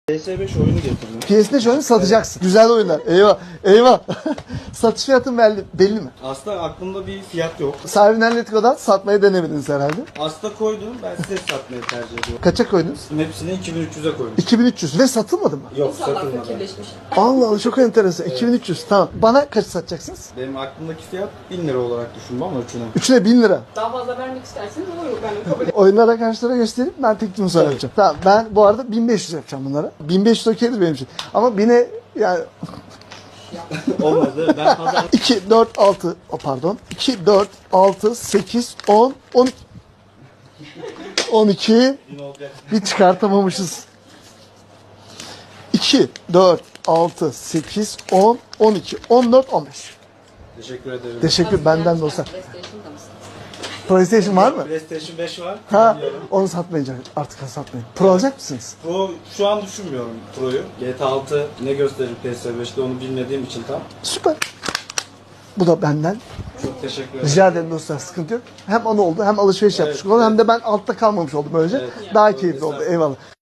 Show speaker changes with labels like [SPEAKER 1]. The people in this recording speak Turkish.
[SPEAKER 1] PS5 oyunu getirdim.
[SPEAKER 2] PS5 oyunu satacaksın. Güzel oyunlar. Eyvah. Eyvah. Satış fiyatın belli mi?
[SPEAKER 1] Aslında aklımda bir fiyat yok.
[SPEAKER 2] Sahibinden Letgo'dan satmayı denemediniz herhalde.
[SPEAKER 1] Aslında koydum. Ben size satmayı tercih ediyorum.
[SPEAKER 2] Kaça koydunuz?
[SPEAKER 1] Hepsini 2300'e koydum.
[SPEAKER 2] 2300 ve satılmadı mı?
[SPEAKER 1] Yok,
[SPEAKER 3] İnsanlar
[SPEAKER 1] satılmadı.
[SPEAKER 3] fakirleşmiş.
[SPEAKER 2] Allah Allah çok enteresan. 2300 tamam. Bana kaç satacaksınız?
[SPEAKER 1] Benim aklımdaki fiyat 1000 lira olarak düşündüm ama üçüne.
[SPEAKER 2] Üçüne 1000 lira.
[SPEAKER 3] Daha fazla vermek isterseniz olur. Ben kabul ederim.
[SPEAKER 2] Oyunları arkadaşlara gösterip ben teklifimi sonra yapacağım. Tamam ben bu arada 1500 yapacağım bunlara. 1500 okeydir benim için. Ama 1000'e yani
[SPEAKER 1] Olmadı. Ben pazar
[SPEAKER 2] 2, 4, 6 pardon. 2, 4, 6, 8, 10, 12. 12
[SPEAKER 1] 1000 olacak.
[SPEAKER 2] bir çıkartamamışız. 2, 4, 6, 8, 10, 12, 14, 15.
[SPEAKER 1] Teşekkür ederim.
[SPEAKER 2] Teşekkür benden de olsa.
[SPEAKER 3] PlayStation'da mısın?
[SPEAKER 2] PlayStation var mı?
[SPEAKER 1] PlayStation 5 var.
[SPEAKER 2] Ha,
[SPEAKER 1] Bilmiyorum.
[SPEAKER 2] onu satmayacak. Artık satmayın. Pro alacak mısınız?
[SPEAKER 1] Pro şu an düşünmüyorum Pro'yu. GTA 6 ne gösterir PS5'te onu bilmediğim için tam.
[SPEAKER 2] Süper. Bu da benden.
[SPEAKER 1] Çok teşekkür ederim.
[SPEAKER 2] Rica ederim dostlar, sıkıntı yok. Hem onu oldu hem alışveriş yapmış
[SPEAKER 1] Evet,
[SPEAKER 2] oldum hem de ben altta kalmamış oldum böylece.
[SPEAKER 1] Evet.
[SPEAKER 2] Daha keyifli oldu. Eyvallah.